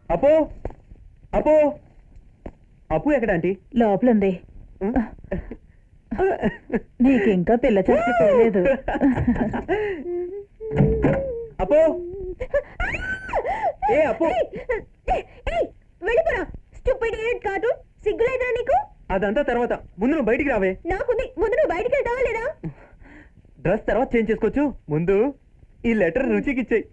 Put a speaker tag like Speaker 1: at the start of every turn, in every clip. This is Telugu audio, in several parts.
Speaker 1: అపో అపో అప్పు ఎక్కడ ఆంటీ?
Speaker 2: లోపలుంది. నీకు ఇంకా పిల్ల చచ్చిపోలేదు.
Speaker 1: అపో ఏ అపో
Speaker 3: వెళ్ళిపోరా స్టూపిడ్ ఇడియట్ కార్టూన్. సిగ్గులేదా నీకు?
Speaker 1: అదంతా తర్వాత, ముందు నువ్వు బయటికి రావే.
Speaker 3: నాకుంది, ముందు నువ్వు బయటికి వెళ్తావా లేదా?
Speaker 1: డ్రెస్ తర్వాత చేంజ్ చేసుకోవచ్చు, ముందు ఈ లెటర్ రుచికి ఇచ్చేయి.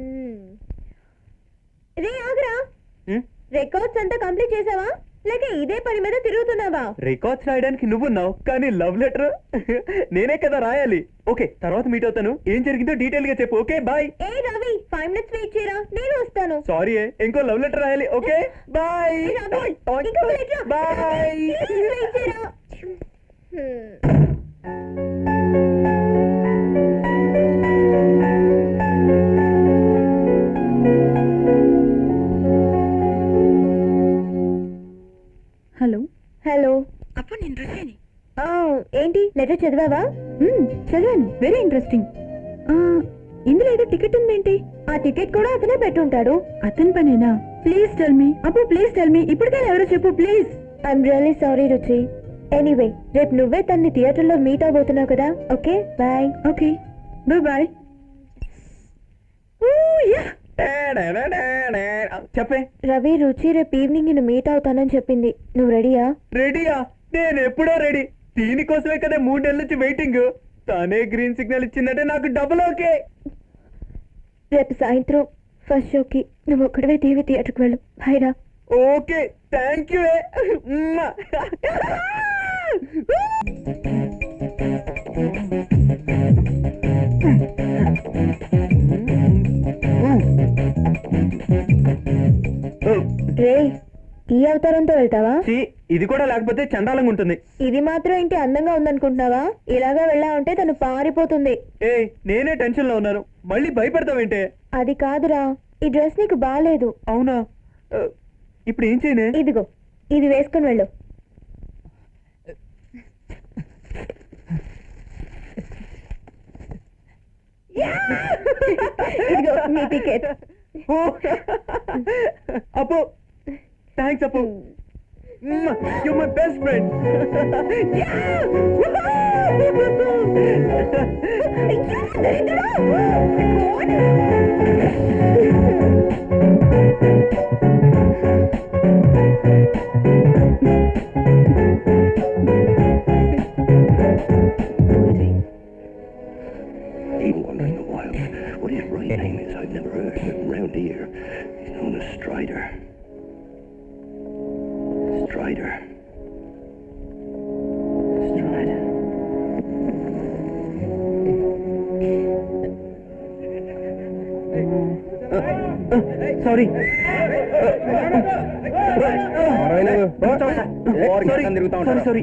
Speaker 3: రే ఆగరా, రికార్డ్స్ అంతా కంప్లీట్ చేసావా లేక ఇదే పని మీద తిరుగుతున్నావా?
Speaker 1: రికార్డ్స్ రాయడానికి నువ్వున్నావు, కానీ లవ్ లెటర్ నేనే కదా రాయాలి. ఓకే, తర్వాత మీట్ అవుతాను. ఏం జరిగిందో డీటెయిల్ గా చెప్పు. Okay bye.
Speaker 3: ఏ రవి, 5 minutes వెయిట్ చేయరా, నేను వస్తాను.
Speaker 1: సారీ, ఇంకో లవ్ లెటర్ రాయాలి. Okay bye bye.
Speaker 3: వెయిట్ చేయరా.
Speaker 2: Hello
Speaker 3: hello.
Speaker 2: అప్పుడు నేను రుచిని.
Speaker 3: ఏంటి లెటర్ చదివావా?
Speaker 2: చదివాను, వెరీ ఇంట్రెస్టింగ్. ఇందులో ఏదో టికెట్ ఉందేంటి?
Speaker 3: ఆ టికెట్ కూడా అతనే పెట్టుంటాడు.
Speaker 2: అతని పనేనా? ప్లీజ్ టెల్ మీ అప్పు, ప్లీజ్ టెల్ మీ. ఇప్పటికైనా ఎవరో చెప్పు please.
Speaker 3: I'm really sorry Ruchi. Anyway, రేపు నువ్వే తన్ని థియేటర్లో మీట్ అవబోతున్నావు కదా. Okay bye.
Speaker 2: Okay bye.
Speaker 1: చెప్పే.
Speaker 3: రవి, రుచి రేపు ఈవినింగ్ నిన్ను మీట్ అవుతానని చెప్పింది. నువ్వు రెడీయా?
Speaker 1: రెడీయా? నేను ఎప్పుడో రెడీ. దీనికోసమే కదా 3 నెలల నుంచి వెయిటింగ్. తానే గ్రీన్ సిగ్నల్ ఇచ్చిందంటే నాకు డబుల్ ఓకే.
Speaker 3: రేపు సాయంత్రం ఫస్ట్ షోకి నువ్వు ఒక్కడివే టీవీ థియేటర్కి వెళ్ళు. హైరా.
Speaker 1: Okay, thank you.
Speaker 3: రే, ఈ అవతారంతో వెళ్తావా?
Speaker 1: ఇది కూడా లేకపోతే చండాలంగా ఉంటుంది.
Speaker 3: ఇది మాత్రం ఏంటి అందంగా ఉందనుకుంటున్నావా? ఇలాగా వెళ్ళావంటే తను పారిపోతుంది.
Speaker 1: ఏ, నేనే టెన్షన్ లో ఉన్నాను, మళ్ళీ భయపడతావేంటే?
Speaker 3: అది కాదురా, ఈ డ్రెస్ నీకు బాగాలేదు.
Speaker 1: అవునా? ఇప్పుడు ఏం చేయనే?
Speaker 3: ఇదిగో, ఇది వేసుకుని వెళ్ళు. ఇదిగో నీ టికెట్.
Speaker 1: అప్పు, థ్యాంక్స్ అప్పు. You're my best friend.
Speaker 4: Been wandering the wild. What his right name is, I've never heard of him round here. He's known as Strider. Strider. Strider.
Speaker 1: Sorry. Sorry.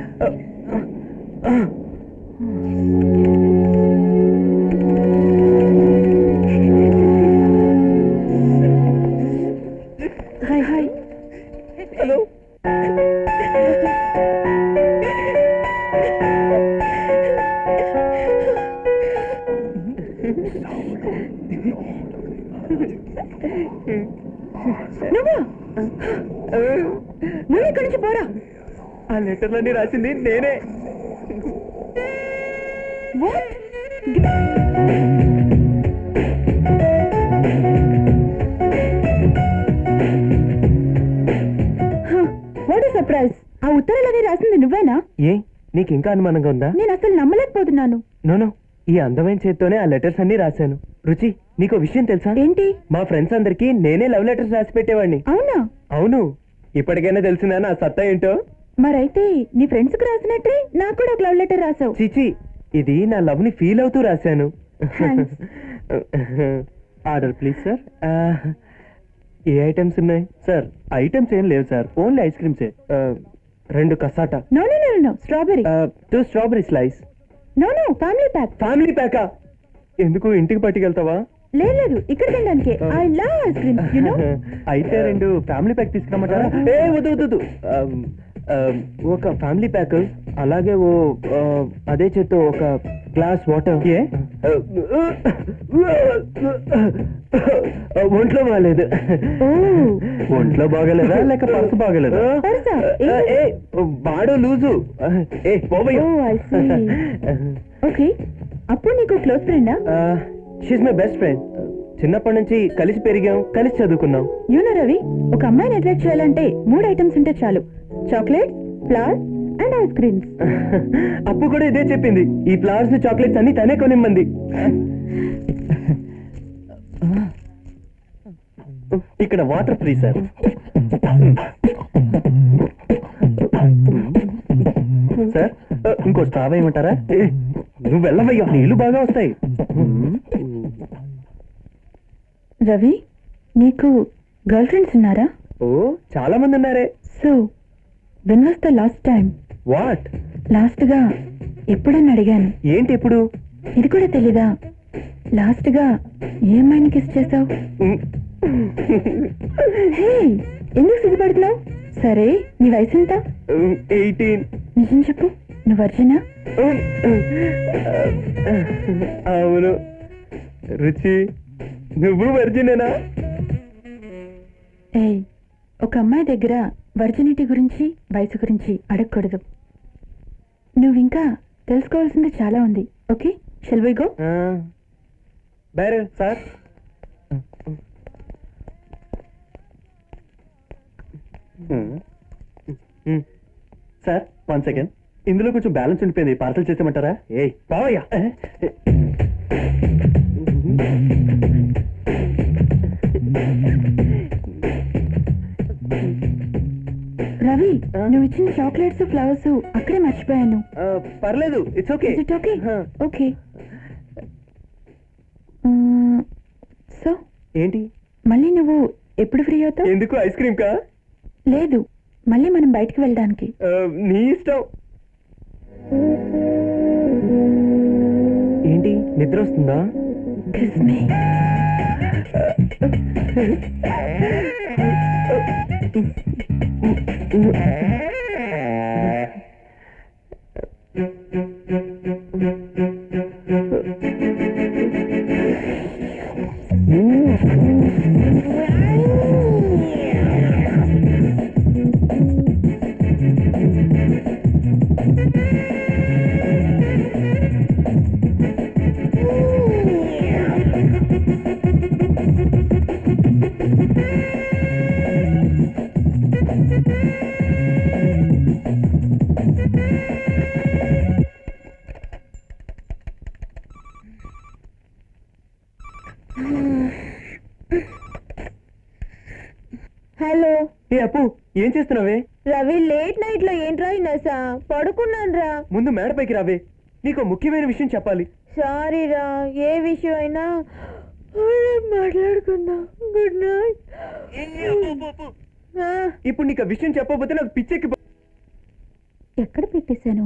Speaker 2: Hi.
Speaker 1: Hello.
Speaker 2: నువ్వు ఇక్కడి నుంచి పోరా.
Speaker 1: ఆ లెటర్లన్నీ రాసింది నేనే.
Speaker 2: What surprise. ఆ ఉత్తరాలని రాసింది నువ్వేనా?
Speaker 1: ఏ, నీకు ఇంకా అనుమానంగా ఉందా?
Speaker 2: నేను అసలు నమ్మలేకపోతున్నాను.
Speaker 1: నోనో, ఈ అందమైన చేత్తోనే ఆ లెటర్స్ అన్ని రాశాను. రుచి, నీకు విషయం తెలుసా?
Speaker 2: ఏంటి?
Speaker 1: మా ఫ్రెండ్స్ అందరికి నేనే లవ్ లెటర్స్ రాసి పెట్టేవాడిని.
Speaker 2: అవునా?
Speaker 1: అవును. ఇప్పటికైనా తెలిసిందా నా సత్తా ఏంటో?
Speaker 2: మరైతే నీ ఫ్రెండ్స్ కు రాసినట్టే నాకు కూడా ఒక లవ్ లెటర్ రాసావు.
Speaker 1: చిచి, ఇది నా లవ్ ని ఫీల్ అవుతూ రాశాను. Order please sir. ఏ ఐటమ్స్ ఉన్నాయి సార్? ఐటమ్స్ ఏం లేవు సార్, ఓన్లీ ఐస్ క్రీమ్సే. 2 cassata.
Speaker 2: No, strawberry.
Speaker 1: 2 strawberry slice.
Speaker 2: No, family pack.
Speaker 1: Family ప్యాకా? ఎందుకు, ఇంటికి పట్టుకెళ్తావా?
Speaker 2: లేదు, ఇక్కడ తినడానికి. I love ice cream, you know.
Speaker 1: అయితే 2 ఫ్యామిలీ ప్యాక్ తీసుకురమ్మంటారా? ఏ వద్దు. ఒక ఫ్యామిలీ ప్యాక్, అలాగే అదే చేత్తో ఒక గ్లాస్ వాటర్. ఒంట్లో బాగాలేదు. ఒంట్లో బాగలేదా లేక పర్సు బాగలేదా?
Speaker 3: పర్సా?
Speaker 1: ఏ బాడో లూజు. ఏ పోవయ్యా.
Speaker 3: ఓకే, అప్పుడు నీకు క్లోజ్ ఫ్రెండా?
Speaker 1: She's my best friend. చిన్నప్పటి నుంచి కలిసి పెరిగాం, కలిసి చదువుకున్నాం.
Speaker 3: యూనో రవి, ఒక అమ్మాయిని అట్రాక్ట్ చేయాలంటే 3 ఐటమ్స్ ఉంటే చాలు: chocolate, flowers and ice creams.
Speaker 1: అప్పు కూడా ఇదే చెప్పింది. ఈ ఫ్లవర్స్ చాక్లెట్స్ అన్ని తనే కొనిమ్మంది. ఇక్కడ వాటర్ ఫ్రీ సార్. సార్ ఇంకో స్ట్రా వేయమంటారా? నువ్వు వెళ్ళవయ్యా, నీళ్లు బాగా వస్తాయి.
Speaker 3: రవి, నీకు గర్ల్ ఫ్రెండ్స్ ఉన్నారా?
Speaker 1: ఓ చాలా మంది ఉన్నారే.
Speaker 3: So when was the last time?
Speaker 1: What?
Speaker 3: Last గా ఎప్పుడని అడిగాను.
Speaker 1: ఏంటి ఎప్పుడు?
Speaker 3: ఇది కూడా తెలీదా? లాస్ట్ గా ఏ అమ్మాయిని కిస్ చేసావు? హే, ఎందుకు సిగ్గుపడుతున్నావు? సరే, నీ వయసు ఎంత?
Speaker 1: 18.
Speaker 3: నిజం చెప్పు, నువ్వు వర్జినా?
Speaker 1: అవును. రుచి, నువ్వు వర్జినేనా?
Speaker 3: ఏయ్, ఒక అమ్మాయి దగ్గర వర్జినిటీ గురించి, వయసు గురించి అడగకూడదు. నువ్వింకా తెలుసుకోవాల్సింది చాలా ఉంది. Okay, shall we go?
Speaker 1: బేరే సార్. సార్ 1 సెకండ్, ఇందులో కొంచెం బ్యాలెన్స్ ఉండిపోయింది, పార్సల్ చేసేమంటారా? ఏ బావయ్యా.
Speaker 3: రవి, నువ్వు ఇచ్చిన చాక్లెట్స్, ఫ్లవర్స్ అక్కడే మర్చిపోయాను.
Speaker 1: పర్లేదు, it's okay.
Speaker 3: Okay okay. So
Speaker 1: ఏంటి?
Speaker 3: మళ్ళీ నువ్వు ఎప్పుడు ఫ్రీ అవుతావు?
Speaker 1: ఎందుకు, ఐస్ క్రీమ్ కా?
Speaker 3: లేదు, మళ్ళీ మనం బయటికి వెళ్ళడానికి.
Speaker 1: నీ ఇష్టం. ఏంటి, నిద్ర వస్తుందా?
Speaker 3: Kiss me. హలో.
Speaker 1: ఏ అప్పు, ఏం చేస్తున్నావే?
Speaker 3: రవి, లేట్ నైట్ లో ఏంట్రా నసా? పడుకున్నాను రా.
Speaker 1: ముందు మేడపైకి రావే, నీకు ముఖ్యమైన విషయం చెప్పాలి.
Speaker 3: సారీ రా, ఏ విషయం అయినా మాట్లాడుకుందాం. Good night.
Speaker 1: ఇప్పుడు నీకు ఆ విషయం చెప్పకపోతే నాకు పిచ్చెక్కి.
Speaker 3: ఎక్కడ పెట్టేశాను?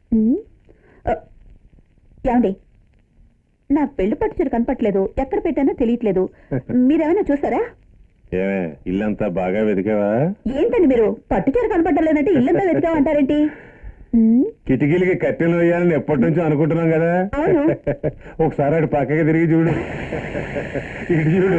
Speaker 3: ఏమండి, నా పెళ్లి పట్టు చీర కనపట్లేదు, ఎక్కడ పెట్టానో తెలియట్లేదు. మీరేమైనా చూసారా?
Speaker 4: ఏమే, ఇల్లంతా బాగా వెతికావా?
Speaker 3: ఏంటండి మీరు, పట్టు చీర కనపట్టలేదంటే ఇల్లంతా వెతికామంటారేంటి?
Speaker 4: కిటికీలకి కట్టెలు వేయాలని ఎప్పటి నుంచో అనుకుంటున్నాం కదా.
Speaker 3: అవును.
Speaker 4: ఒకసారి అటు పక్కకి తిరిగి చూడు, ఇటు చూడు.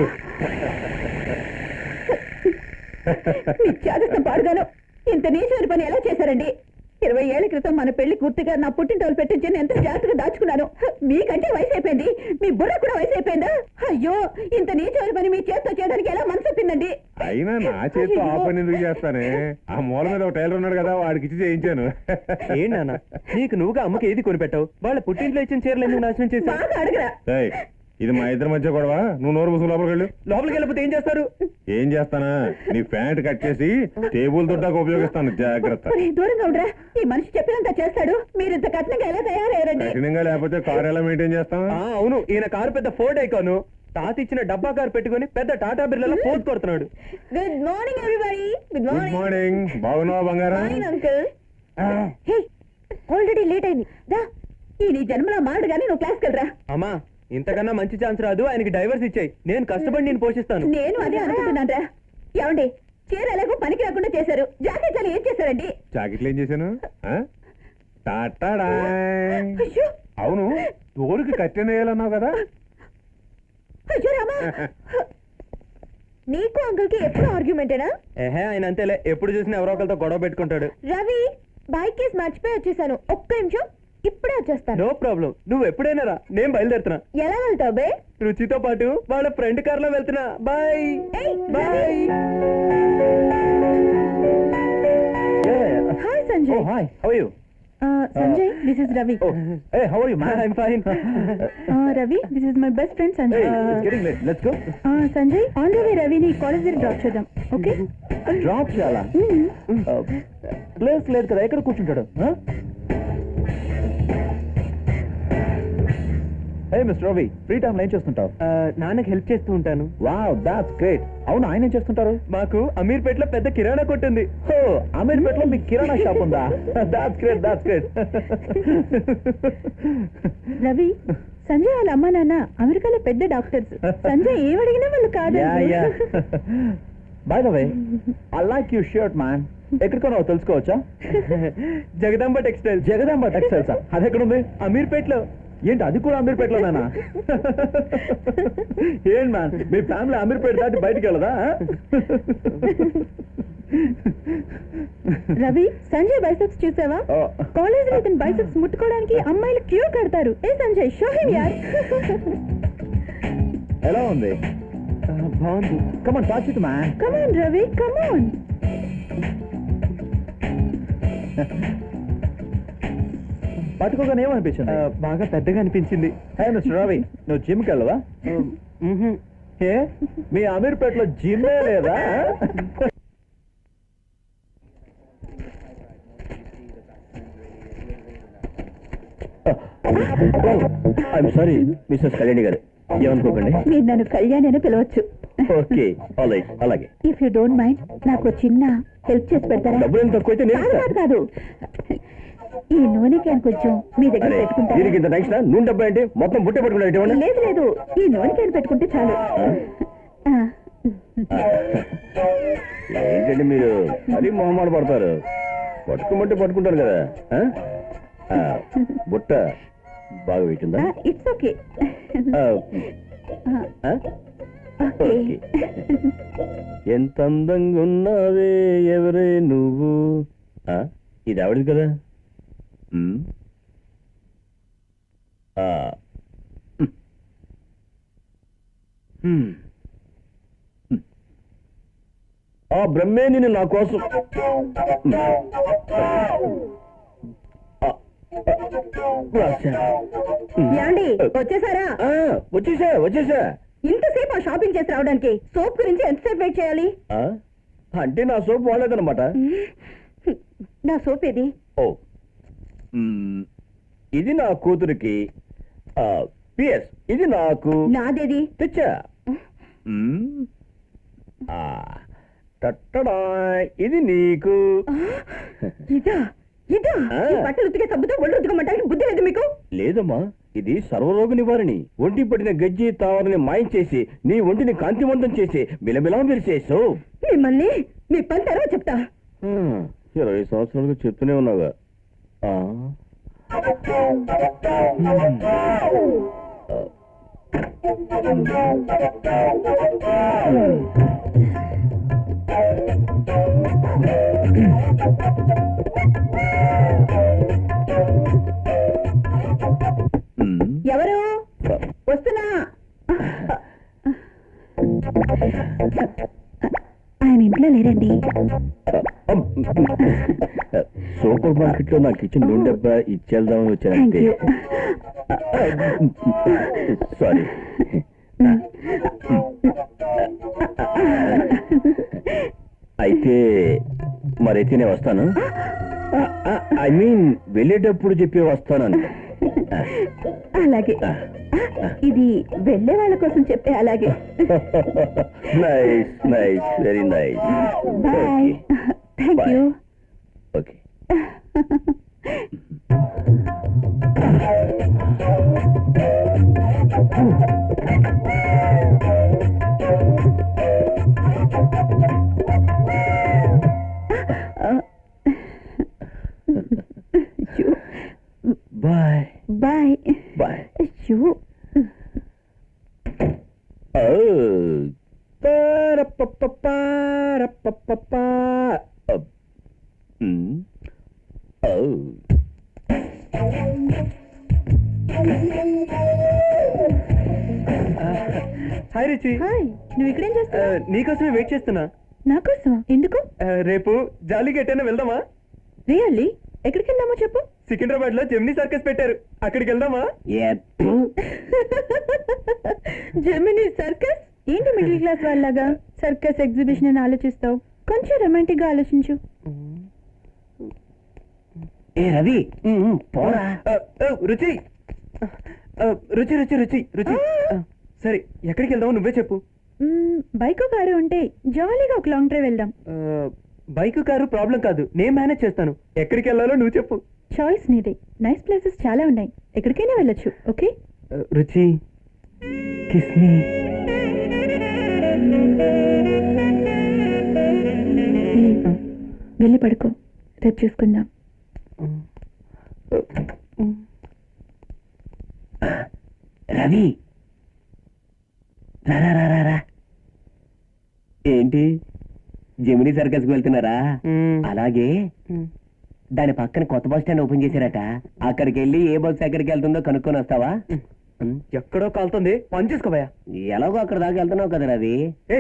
Speaker 3: చేదస్తం పాడుగాను, ఇంత నీచమైన పని ఎలా చేశారండి? 20 ఏళ్ల క్రితం మన పెళ్లి పూర్తిగా నా పుట్టింటోళ్ళు పెట్టించి ఎంత జాగ్రత్తగా దాచుకున్నాను. మీకంటే వయసు అయిపోయింది, మీ బుర్ర కూడా వయసు అయిపోయిందా? అయ్యో, ఇంత నీచమైన పని మీ చేతితో చేయడానికి ఎలా మనసు చెప్పిందండి?
Speaker 4: అయినా నా చేతితో ఆ పని ఎందుకు చేస్తానే? ఆ మూల మీద ఒక టైలర్ ఉన్నాడు కదా, వాడికి ఇచ్చి చేయించాను.
Speaker 1: ఏంటన్నా, నీకు నువ్వుగా అమ్మకి ఏది కొనిపెట్టావు? వాళ్ళ పుట్టింట్లో ఇచ్చిన చీరలు ఎందుకు నాశనం చేశావు?
Speaker 3: బాగా అడగరా.
Speaker 4: ఏయ్, ఇది మా ఇద్దరి మధ్య గొడవ. నువ్వు నోరు మూసుకు లోపలికి వెళ్ళు.
Speaker 1: లోపలికి వెళ్ళిపోతే ఏం చేస్తారు?
Speaker 4: ఏం చేస్తానా, నీ ప్యాంట్ కట్ చేసి టేబుల్ తొట్టాక ఉపయోగిస్తాను, జాగ్రత్త.
Speaker 3: ఒరేయ్, దూరంగా ఉండరా, ఈ మనిషి చెప్పినంత చేస్తాడు. మీరు ఇంత కఠినంగా ఎలా తయారయ్యారండి?
Speaker 4: కఠినంగా లేకపోతే కారు ఎలా మెయింటైన్ చేస్తాం?
Speaker 1: అవును, ఈయన కారు పెద్ద ఫోర్డ్ ఐకాను. తాత ఇచ్చిన డబ్బా కారు పెట్టుకుని పెద్ద టాటా బిర్లలో పోతు కొడుతున్నాడు.
Speaker 3: Good morning everybody. Good
Speaker 4: good morning. బాగున్నావా బంగారం?
Speaker 3: Fine uncle. Hey, already late అయింది. దా, ఈ నీ జన్మలో మాడు గానీ నువ్వు క్లాస్కి వెళ్ళరా.
Speaker 1: అమ్మా, ఇంతకన్నా మంచి ఛాన్స్ రాదు. ఆయనకి డైవర్స్ ఇచ్చాయి, నేను కష్టపడి నేను పోషిస్తాను.
Speaker 3: నేను అదే అనుకుంటున్నాను రా. ఏమండి, చీర ఎలాగో పనికి రాకుండా చేశారు, జాకెట్ ఏం చేశారండి?
Speaker 4: జాకెట్లు ఏం చేశాను? టాటా.
Speaker 3: అయ్యో,
Speaker 5: అవును తోలుకి కట్టెనేయాలన్నావు కదా.
Speaker 3: అయ్యో రామా నీకు అంకుల్ కి ఎప్పుడు ఆర్గ్యుమెంటేనా?
Speaker 1: ఏహే ఆయన అంతేలే, ఎప్పుడు చూసినా ఎవరో ఒకరితో గొడవ పెట్టుకుంటాడు.
Speaker 3: రవి బైక్ కేసు మర్చిపోయి వచ్చేసాను, ఒక్క నిమిషం ఇప్పుడే వచ్చేస్తాను.
Speaker 1: నో ప్రాబ్లం, నువ్వు ఎప్పుడైనా రా, నేను బయలుదేరుతున్నా.
Speaker 3: ఎలా వెళ్తావు బే?
Speaker 1: రుచితో పాటు వాళ్ళ ఫ్రెండ్ కార్ లో వెళ్తున్నా. బాయ్
Speaker 3: ఏయ్,
Speaker 1: bye.
Speaker 2: Hi Sanjay.
Speaker 1: Hi, how are you?
Speaker 2: Sanjay, this is Ravi.
Speaker 1: Hey, how are you man? I am fine.
Speaker 2: Ravi, this is my best friend Sanjay.
Speaker 1: It's getting late, let's go.
Speaker 2: Sanjay, on the way రవిని కాలేజ్ దగ్గర డ్రాప్ చేద్దాం, ఓకే?
Speaker 1: డ్రాప్ చేయాలా? ప్లేస్ లేదు కదా, ఎక్కడ కూర్చుంటాడు? Hey mister Ravi, free time ఏం చేస్తుంటావు? నాన్నకి హెల్ప్ చేస్తూ ఉంటాను. Wow, that's great. అవును, ఆయన ఏం చేస్తుంటారు? మాకు అమీర్పేటలో పెద్ద కిరాణా కొట్టు ఉంది. ఓ, అమీర్పేటలో మీకు కిరాణా షాప్ ఉందా? That's great, that's great.
Speaker 2: Ravi, Sanjay వాళ్ళ అమ్మా నాన్న అమెరికాలో పెద్ద డాక్టర్స్. సంజయ్ ఏమడిగినా వాళ్ళు కాదు.
Speaker 1: By the way, I like you shirt man. ఎక్కడ కొన్నావో తెలుసుకోవచ్చా? జగదాంబ టెక్స్టైల్స్. జగదాంబ టెక్స్టైల్సా? అది ఎక్కడుంది? అమీర్పేటలో. ఏంటి, అది కూడా అమీర్పేటలోనా? ఏంటి మ్యాన్, మీ ఫ్యామిలీ అమీర్పేట దాటి బయటికి వెళ్ళదా?
Speaker 2: రవి, సంజయ్ బైసెప్స్ చూసావా? కాలేజ్ లో ఇతను బైసెప్స్ ముట్టుకోవడానికి అమ్మాయిలు క్యూ కడతారు. ఏ సంజయ్, షో హిమ్ యార్.
Speaker 1: ఎలా ఉంది? బాగుంది. Come on, touch it man.
Speaker 2: Come on Ravi, come on.
Speaker 1: పట్టుకోగానే ఏమనిపించింది? బాగా పెద్దగా అనిపించింది. హే మిస్టర్ రవి, నువ్వు జిమ్కి వెళ్ళవా? ఏ, మీ అమీర్పేటలో జిమ్మే లేదా? ఐఎమ్ సారీ మిస్సెస్ కళ్యాణి గారు, ఏమనుకోకండి.
Speaker 3: మీరు నన్ను కళ్యాణ్ అని పిలవచ్చు.
Speaker 1: ఓకే, అలాగే.
Speaker 3: ఇఫ్ యూ డోంట్ మైండ్, నాకు చిన్న హెల్ప్ చేసి పెడతారా?
Speaker 1: డబ్బులు ఎంత తక్కువైతే నేను
Speaker 3: కాదు కాదు కాదు, ఈ నూనె క్యాన్ కొంచెం మీ దగ్గర పెట్టుకుంటారా?
Speaker 1: దీనికి ఇంత నెక్స్ట్ నూనె డబ్బా ఏంటి? మొత్తం బుట్టే పట్టుకున్నాడు.
Speaker 3: లేదు లేదు, ఈ నూనె క్యాన్ పెట్టుకుంటే చాలు.
Speaker 1: ఏంటండి మీరు మరీ మొహమాట పడతారు? పట్టుకోమంటే పట్టుకుంటారు కదా. బుట్ట బాగా పెట్టిందా?
Speaker 3: It's okay.
Speaker 1: ఓకే. ఎంత అందంగా ఉన్నావే ఎవరే నువ్వు. ఇది ఆవిడది కదా. ఆ బ్రహ్మే నేను నా కోసం
Speaker 3: యాండి, వచ్చేసారా?
Speaker 1: వచ్చేసా.
Speaker 3: ఇంతసేపు ఆ షాపింగ్ చేసి రావడానికి సోప్ గురించి ఎంతసేపు వెయిట్ చేయాలి?
Speaker 1: అంటే నా సోప్ వాడలేదన్నమాట.
Speaker 3: నా సోప్ ఏది?
Speaker 1: ఓ, ఇది నా కూతురికి. పిఎస్, ఇది నాకు.
Speaker 3: నాదేది?
Speaker 1: తెచ్చా. టట్టడా, ఇది నీకు.
Speaker 3: ఇదా ఇదా? ఈ బట్టలు ఉతికే సబ్బుతో ఒళ్ళు ఉతకమంటానికి బుద్ధి లేదు మీకు?
Speaker 1: లేదమ్మా, ఇది సర్వరోగ నివారణి. ఒంటి పడిన గజ్జి తావరని మాయం చేసి నీ ఒంటిని కాంతివంతం చేసి బిలబిలా మెరిసేసు.
Speaker 3: మిమ్మల్ని మీ పని తర్వాత చెప్తా.
Speaker 1: 20 సంవత్సరాలుగా చెప్తూనే ఉన్నావుగా.
Speaker 3: ఎవరు? వస్తున్నా. ఆయన ఇంట్లో లేరండి.
Speaker 1: సూపర్ మార్కెట్ లో నాకు ఇచ్చిన నూనె డబ్బా ఇచ్చేద్దామని
Speaker 3: థ్యాంక్ యూ.
Speaker 1: వచ్చాను. సారీ. అయితే మరైతే నేను వస్తాను. ఐ మీన్ వెళ్ళేటప్పుడు చెప్పి వస్తాను.
Speaker 3: అలాగే, ఇది వెళ్ళే వాళ్ళ కోసం చెప్పే. అలాగే.
Speaker 1: Nice, very nice.
Speaker 3: Bye. Thank you.
Speaker 1: Okay. Bye.
Speaker 3: Bye.
Speaker 1: పారప్పప్పా. ఓ. హాయ్ రుచి.
Speaker 2: హాయ్, నువ్వు ఇక్కడేం చేస్తావు?
Speaker 1: నీకోసమే వెయిట్ చేస్తున్నా.
Speaker 2: నా కోసమా? ఎందుకు?
Speaker 1: రేపు జాలీకి ఎట్టైనా వెళ్దామా?
Speaker 2: రియల్లీ? ఎక్కడికి వెళ్దామో చెప్పు.
Speaker 1: సికింద్రాబాద్ లో జెమినీ సర్కస్ పెట్టారు, అక్కడికి వెళ్దామా?
Speaker 2: జెమినీ సర్కస్ ఏంటి? మిడిల్ క్లాస్ వాళ్ళగా సర్కస్ ఎగ్జిబిషన్ అని ఆలోచిస్తావు. కొంచెం రొమాంటిక్ గా ఆలోచించు.
Speaker 1: ఏ రవి పోరా. రుచి రుచి రుచి రుచి రుచి సరే, ఎక్కడికి వెళ్దామో నువ్వే చెప్పు.
Speaker 2: బైక్ కారు ఉంటే జాలీగా ఒక లాంగ్ డ్రైవ్ వెళ్దాం.
Speaker 1: బైక్ కారు ప్రాబ్లం కాదు, నేను మేనేజ్ చేస్తాను. ఎక్కడికి వెళ్ళాలో నువ్వు చెప్పు.
Speaker 2: చాయిస్ నీదే. నైస్ ప్లేసెస్ చాలా ఉన్నాయి, ఎక్కడికైనా వెళ్ళొచ్చు. ఓకే
Speaker 1: రుచి, కిస్ మీ.
Speaker 2: వెళ్ళి పడుకో, రేపు చూసుకుందాం.
Speaker 1: రవి రా. ఏంటి, జెమినీ సర్కస్ కి వెళ్తున్నారా? అలాగే దాని పక్కన కొత్త బస్ స్టాండ్ ఓపెన్ చేశారట, అక్కడికి వెళ్ళి ఏ బస్ ఎక్కడికి వెళ్తుందో కనుక్కొని వస్తావా? ఎక్కడో కాలుతుంది, పని చేసుకోవా. ఎలాగో అక్కడ దాకా వెళ్తున్నావు కదా రవి.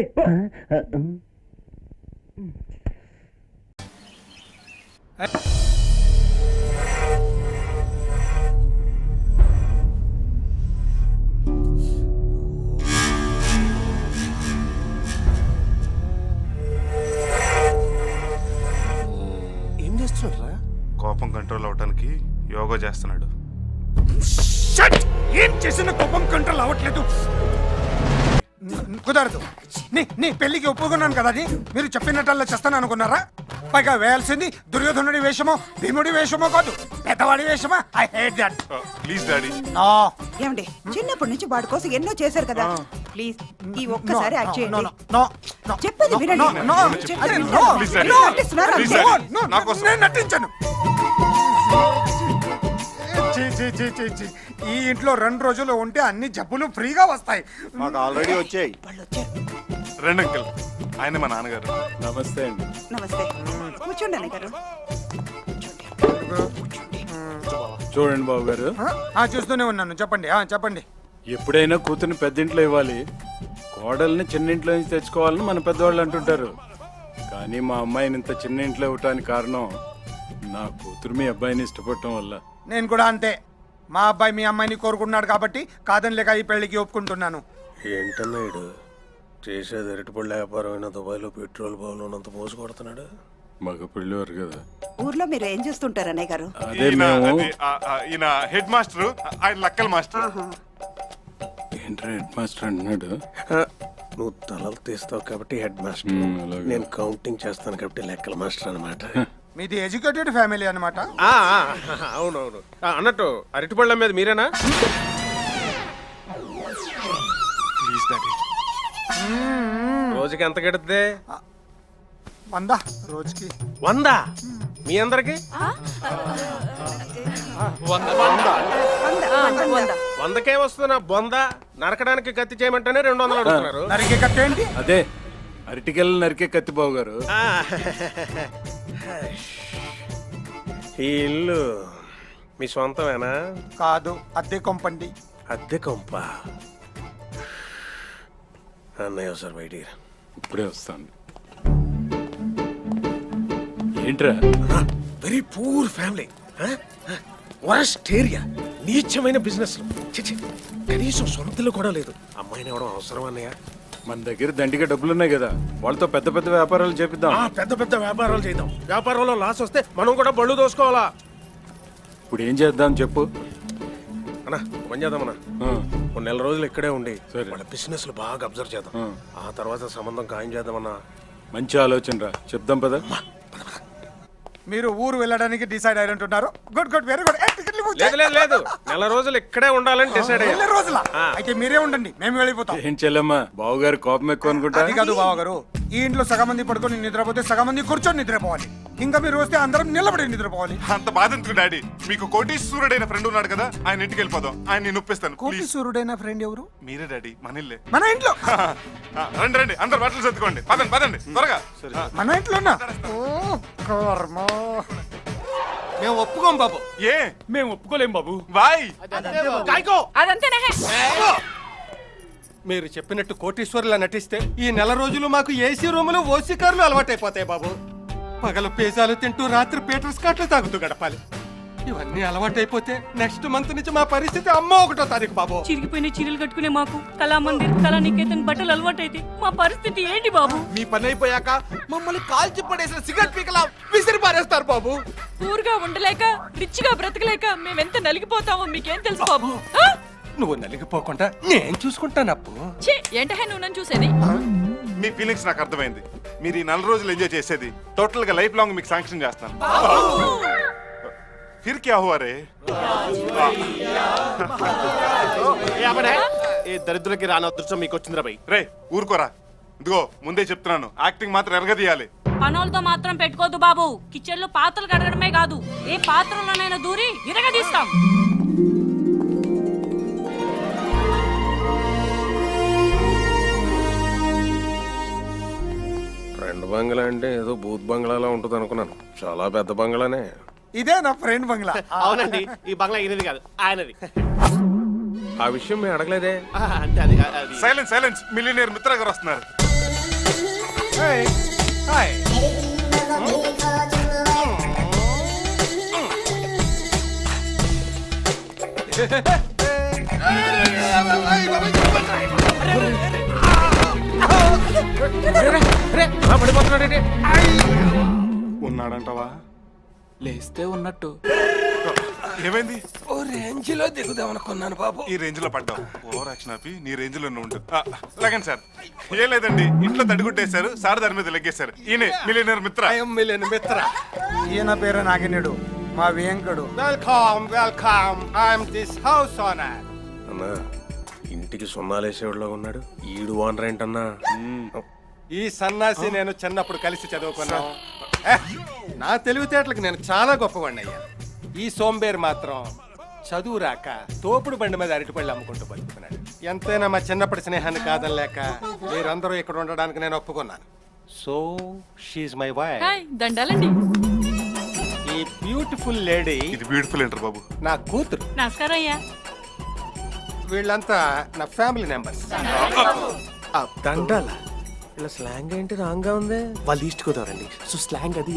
Speaker 6: ఏం చేస్తున్నారా?
Speaker 7: కోపం కంట్రోల్ అవడానికి యోగా చేస్తున్నాడు.
Speaker 6: ఏం చేసిన కోపం కంట్రోల్ అవ్వట్లేదు. కుదరదు. నీ పెళ్లికి ఒప్పుకున్నాను కదా అని మీరు చెప్పినట్టల్లా చేస్తాను అనుకున్నారా? పైగా వేయాల్సింది దుర్యోధనుడి వేషమో భీముడి వేషమో కాదు, పెద్దవాడి వేషమా. I hate that.
Speaker 7: Please daddy.
Speaker 8: ఏమండి, చిన్నప్పటి నుంచి వాడి కోసం ఎన్నో చేశారు కదా, ప్లీజ్ ఈ ఒక్కసారి యాక్ట్ చేయండి. చెప్పేది వినండి.
Speaker 7: Please, Daddy.
Speaker 8: నటిస్తున్నారా?
Speaker 7: Please, Daddy. నా కోసం.
Speaker 6: నేను నటించాను. ఈ ఇంట్లో 2 రోజులు ఉంటే అన్ని జబ్బులు ఫ్రీగా వస్తాయి.
Speaker 7: మాకు ఆల్రెడీ వచ్చాయి.
Speaker 8: వాళ్ళు వచ్చారు.
Speaker 7: రండి అంకుల్, ఆయన మా నాన్నగారు.
Speaker 5: నమస్తే అండి.
Speaker 8: నమస్తే. కూర్చోండి అన్నయ్య గారు.
Speaker 5: చూడండి బాబు గారు,
Speaker 6: చూస్తూనే ఉన్నాను. చెప్పండి చెప్పండి.
Speaker 5: ఎప్పుడైనా కూతుర్ని పెద్దింట్లో ఇవ్వాలి, కోడల్ని చిన్నింట్లో నుంచి తెచ్చుకోవాలని మన పెద్దవాళ్ళు అంటుంటారు. కానీ మా అమ్మాయిని ఇంత చిన్న ఇంట్లో ఇవ్వటానికి కారణం నా కూతురు మీ అబ్బాయిని ఇష్టపడటం వల్ల.
Speaker 6: నేను కూడా అంతే. మా అబ్బాయి మీ అమ్మాయిని కోరుకున్నాడు కాబట్టి కాదని లేక ఈ పెళ్లికి ఒప్పుకుంటున్నాను.
Speaker 9: ఏంటన్నాడు చేసేది? అరటిపళ్ళ వ్యాపారం అయినా దుబాయ్లో పెట్రోల్ బావులు ఉన్నంత పోసి కొడుతున్నాడు.
Speaker 5: మగ పెళ్ళివారు కదా.
Speaker 8: ఊర్లో మీరు ఏం చేస్తుంటారు అన్నయ్య గారు?
Speaker 5: అదే మేము.
Speaker 7: ఈయన హెడ్ మాస్టర్, ఆయన లక్కల్ మాస్టర్.
Speaker 5: ఏంట్రా హెడ్ మాస్టర్ అంటున్నాడు?
Speaker 9: నువ్వు తలలు తీస్తావు కాబట్టి హెడ్ మాస్టర్,
Speaker 5: అలాగే.
Speaker 9: నేను కౌంటింగ్ చేస్తాను కాబట్టి లెక్కల మాస్టర్ అనమాట.
Speaker 6: మీది ఎడ్యుకేటెడ్ ఫ్యామిలీ అన్నమాట.
Speaker 9: అవునవును. అన్నట్టు అరటిపళ్ళ మీద మీరేనా?
Speaker 7: Please daddy.
Speaker 9: రోజుకి ఎంత గడుద్ది?
Speaker 6: 100 రోజుకి.
Speaker 9: 100 మీ అందరికి? 100కే వస్తున్నా బొంద. నరకడానికి కత్తి చేయమంటేనే 200 అడుగుతున్నారు.
Speaker 6: నరికే కట్టేంటి?
Speaker 5: అదే అరటికెళ్ళి నరికే కత్తి బాబు గారు.
Speaker 9: ఈ ఇల్లు మీ సొంతమేనా?
Speaker 6: కాదు, అద్దె కొంపండి.
Speaker 9: అద్దె కొంప. అన్నయ్య సార్ బయట
Speaker 5: ఇప్పుడే వస్తాను. ఏంట్రా?
Speaker 9: Very poor family, worst area, నీచమైన బిజినెస్. కనీసం సొంతలు కూడా లేదు. అమ్మాయిని ఇవ్వడం అవసరం అన్నయ్య?
Speaker 5: మన దగ్గర దండిగా డబ్బులున్నాయి కదా, వాళ్ళతో పెద్ద పెద్ద వ్యాపారాలు చేపిద్దాం.
Speaker 9: పెద్ద పెద్ద వ్యాపారాలు చేద్దాం. వ్యాపారంలో లాస్ వస్తే మనం కూడా బళ్ళు దోసుకోవాలా?
Speaker 5: ఇప్పుడు ఏం చేద్దాం చెప్పు.
Speaker 9: అన్నా పని చేద్దామన్నా, కొన్ని నెల రోజులు ఇక్కడే ఉండి
Speaker 5: సరే.
Speaker 9: వాళ్ళ బిజినెస్ బాగా అబ్జర్వ్ చేద్దాం. ఆ తర్వాత సంబంధం ఖాయం చేద్దామన్నా.
Speaker 5: మంచి ఆలోచన రా, చెప్దాం పద.
Speaker 6: మీరు ఊరు వెళ్ళడానికి డిసైడ్ అయినట్టున్నారు. Good good, very good.
Speaker 9: లేదు లేదు లేదు, నెల రోజులు ఇక్కడే ఉండాలని డిసైడ్ అయ్యా.
Speaker 6: రోజుల అయితే మీరే ఉండండి, మేము వెళ్ళిపోతాం.
Speaker 5: ఏం చెల్లమ్మా, బావగారు కోపం ఎక్కువ అనుకుంటా.
Speaker 6: అది కాదు బావ గారు, ఈ ఇంట్లో సగం మంది పడుకొని నిద్రపోతే సగం మంది కూర్చొని నిద్రపోవాలి. ఇంకా మీరు వస్తే అందరం నిలబడి నిద్రపోవాలి.
Speaker 7: అంత బాధ ఎందుకు డాడీ? మీకు కోటీశ్వరుడైన ఫ్రెండ్ ఉన్నాడు కదా, ఆయన ఇంటికి వెళ్ళిపోదాం. ఆయన నేను ఒప్పిస్తాను.
Speaker 6: కోటి
Speaker 7: ప్లీజ్.
Speaker 6: సూర్యుడైన ఫ్రెండ్ ఎవరు?
Speaker 7: మీరే డాడీ, మన ఇల్లే.
Speaker 6: మన ఇంట్లో.
Speaker 7: రండి రండి, అందరు బట్టలు సర్దుకోండి. పదండి పదండి త్వరగా.
Speaker 6: మన ఇంట్లోనా? ఓ కర్మ.
Speaker 9: మేము ఒప్పుకోం బాబు.
Speaker 7: ఏ
Speaker 9: మేము ఒప్పుకోలేం బాబు.
Speaker 7: బాయ్.
Speaker 9: కాయ్కో.
Speaker 8: అదంతేనా?
Speaker 9: మీరు చెప్పినట్టు కోటీశ్వరులా నటిస్తే ఈ నెల రోజులు మాకు ఏసీ రూములు ఓసీ కార్లు అలవాటైపోతాయి బాబు. పగలు పిజ్జాలు తింటూ రాత్రి పీటర్ స్కాట్లు తాగుతూ గడపాలి. ఇవన్నీ అలవాటైపోతే నెక్స్ట్ మంత్ నుంచి మా పరిస్థితి అమ్మ 1వ తారీఖు బాబు.
Speaker 2: చిరిగిపోయిన చీరలు కట్టుకునే మాకు కళామందిర్ కళానికేతన్ బట్టలు అలవాటైతే మా పరిస్థితి ఏంటి బాబు?
Speaker 9: మీ పని అయిపోయాక మమ్మల్ని కాల్చి పడేసిన సిగరెట్ పీకలా విసిరి పారేస్తారు బాబు.
Speaker 2: ఊరుగా ఉండలేక రిచ్ గా బ్రతకలేక మేమెంత నలిగిపోతామో మీకేం తెలుసు బాబు?
Speaker 9: నువ్వు నలిగిపోకుండా నేను చూసుకుంటాను అప్పు.
Speaker 2: ఏంటహే నువ్వు నన్ను చూసేది?
Speaker 7: మీ ఫీలింగ్స్ నాకు అర్థమైంది. మీరు ఈ 4 రోజులు ఎంజాయ్ చేసేది టోటల్ గా లైఫ్ లాంగ్ మీకు శాంక్షన్ చేస్తాను. ఫిర్ క్యా హువా రే?
Speaker 9: ఏ దరిద్రులకి రాని అదృష్టం మీకు వచ్చిందిరా బై.
Speaker 7: రే ఊరుకోరా. ఇదిగో ముందే చెప్తున్నాను, యాక్టింగ్ మాత్రం ఎరగదీయాలి.
Speaker 2: పనులతో మాత్రం పెట్టుకోద్దు బాబు. కిచెన్ లో పాత్రలు కడగడమే కాదు, ఏ పాత్రలోనైనా దూరి ఇరగదీస్తాం.
Speaker 9: ఫ్రెండ్ బంగ్లా అంటే ఏదో బూత్ బంగ్లాలా ఉంటుంది అనుకున్నాను. చాలా పెద్ద బంగ్లానే.
Speaker 6: ఇదే నా ఫ్రెండ్ బంగ్లా.
Speaker 10: అవునండి, ఈ బంగ్లా ఈయనది కాదు, ఆయనది.
Speaker 9: ఆ విషయం మేము అడగలేదే.
Speaker 10: అంటే అది
Speaker 7: సైలెన్స్ సైలెన్స్, మిలియనీర్ మిత్ర గారు వస్తున్నారు.
Speaker 6: హాయ్.
Speaker 7: ఉన్నాడంటవా?
Speaker 10: లేస్తే ఉన్నట్టు.
Speaker 7: ఏమైంది?
Speaker 9: ఓ రేంజ్ లో దిగుదాం అనుకున్నాను బాబు.
Speaker 7: ఈ రేంజ్ లో పడ్డావు. ఓవర్ యాక్షన్ ఆపి నీ రేంజ్ లో ఉండు. లగన్ సార్. ఏం లేదండి, ఇంట్లో తడిగుట్టేశారు, సార్ దాని మీద లెగ్గేశారు. ఈయనే మిలియనీర్ మిత్ర.
Speaker 9: మిలియన్ మిత్ర.
Speaker 6: ఈయన పేరు నాగినేడు, మా Venkadu.
Speaker 9: Welcome welcome. I'm this house owner. అన్నా ఇంటికి సున్నాలేసేవాడులో ఉన్నాడు. ఈడు ఓనర్ ఏంటన్నా? ఈ సన్నాసి నేను చిన్నప్పుడు కలిసి చదువుకున్నాను. నా తెలివితేటలకు నేను చాలా గొప్పవాడిని అయ్యా. ఈ సోంబేర్ మాత్రం చదువు రాక తోపుడు బండి మీద అరటిపళ్ళు అమ్ముకుంటూ బతుకుతున్నాడు. ఎంతైనా మా చిన్నప్పటి స్నేహాన్ని కాదనలేక మీరందరూ ఇక్కడ ఉండడానికి నేను ఒప్పుకున్నాను. So she's my wife.
Speaker 2: దండాలండి.
Speaker 9: ఈ బ్యూటిఫుల్ లేడీ
Speaker 7: ఇది బ్యూటిఫుల్ ఏంటర్ బాబు.
Speaker 9: నా కూతురు.
Speaker 2: నమస్కారం అయ్యా.
Speaker 9: వీళ్ళంతా నా ఫ్యామిలీ మెంబర్స్. దండాల ఇలా స్లాంగ్ ఏంటి రాంగ్ గా ఉంది?
Speaker 10: వాళ్ళు ఈస్ట్ గోదావరండి, సో స్లాంగ్ అది.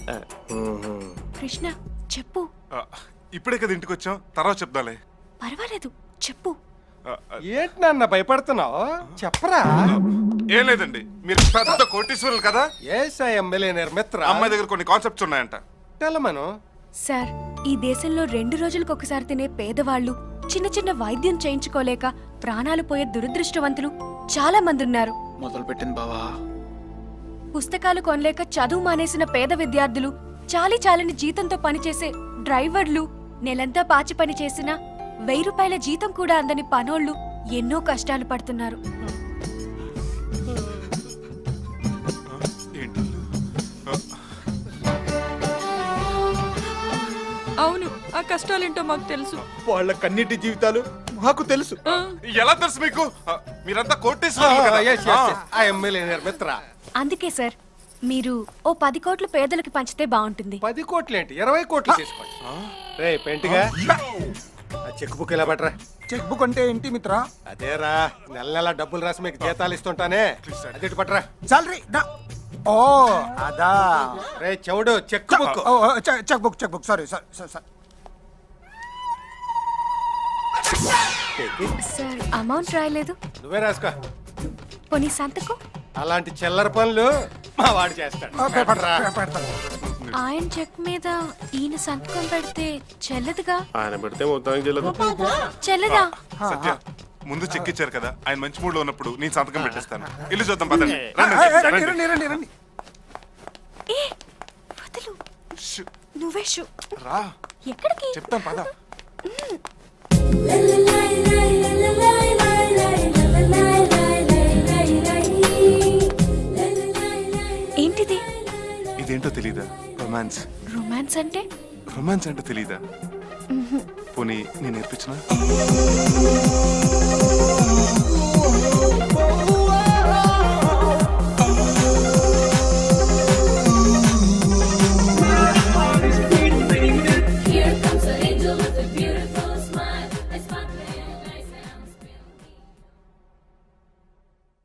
Speaker 2: కృష్ణ చెప్పు.
Speaker 7: ఇప్పుడే కదా ఇంటికి వచ్చాం, తర్వాత చెప్దాలే.
Speaker 2: పర్వాలేదు చెప్పు.
Speaker 9: ఏంటి నాన్న భయపడుతున్నావు? చెప్పరా.
Speaker 7: ఏం లేదండి, మీరు పెద్ద కోటీశ్వరులు కదా.
Speaker 9: ఎస్ ఐ యామ్ మిలియనీర్ మిత్ర.
Speaker 7: అమ్మాయి దగ్గర కొన్ని కాన్సెప్ట్స్ ఉన్నాయంట.
Speaker 9: తెలమను.
Speaker 2: సార్, ఈ దేశంలో 2 రోజులకు ఒకసారి తినే పేదవాళ్ళు, చిన్న చిన్న వైద్యం చేయించుకోలేక ప్రాణాలు పోయే దురదృష్టవంతులు చాలా మంది ఉన్నారు.
Speaker 10: మొదలు పెట్టింది బావా.
Speaker 2: పుస్తకాలు కొనలేక చదువు మానేసిన పేద విద్యార్థులు, చాలని జీతంతో పనిచేసే డ్రైవర్లు, నెలంతా పాచి పని చేసిన 1000 రూపాయల జీతం కూడా అందని పనోళ్ళు ఎన్నో కష్టాలు పడుతున్నారు.
Speaker 7: ఏంటి?
Speaker 2: అవును, ఆ కష్టాలేంటో మాకు తెలుసు.
Speaker 9: వాళ్ళ కన్నిటి జీవితాలు మాకు తెలుసు.
Speaker 7: ఎలా తెలుసు మీకు? మీరంతా కోటీశ్వరులు కదా.
Speaker 9: ఐ యామ్ మిలియనీర్ మిత్ర.
Speaker 2: అందుకే సార్, మీరు ఓ 10 కోట్లు పేదలకు పంచితే బాగుంటుంది.
Speaker 9: 10 కోట్లు ఏంటి, 20 కోట్లు తీసుకోండి. రే పెంటిగా, ఆ చెక్ బుక్ ఇలా పట్టరా.
Speaker 6: చెక్ బుక్ అంటే ఏంటి మిత్ర?
Speaker 9: అదేరా, నెల నెల డబ్బులు రాసి మీకు జీతాలు ఇస్తుంటానే, అది పట్టరా.
Speaker 6: సాలరీ. ఓ అదా.
Speaker 9: రే చెవుడు, check book.
Speaker 6: Check book sorry sir.
Speaker 2: Sir, amount రాయలేదు.
Speaker 9: నువ్వే రాసుకో.
Speaker 2: పోనీ సంతకం.
Speaker 9: అలాంటి చిల్లర పనులు మా వాడు చేస్తాడు.
Speaker 2: ఆయన చెక్ మీద ఈయన సంతకం పెడితే చెల్లదుగా.
Speaker 9: ఆయన పెడితే మొత్తం
Speaker 2: చెల్లదా?
Speaker 7: సత్య, ముందు చెక్ ఇచ్చారు కదా, ఆయన మంచి మూడ్ లో ఉన్నప్పుడు నేను సంతకం పెట్టేస్తాను. ఇల్లు చూద్దాం పదండి. రండి.
Speaker 6: రండి.
Speaker 2: ఏ వదులు. నువ్వే షూ.
Speaker 7: రా,
Speaker 2: ఎక్కడికి?
Speaker 7: చెప్తాం పద.
Speaker 2: ఏంటిది
Speaker 7: ఇదేంటో తెలీదా? రొమాన్స్.
Speaker 2: రొమాన్స్ అంటే
Speaker 7: రొమాన్స్ అంటే తెలీదా? పోనీ నేను నేర్పించిన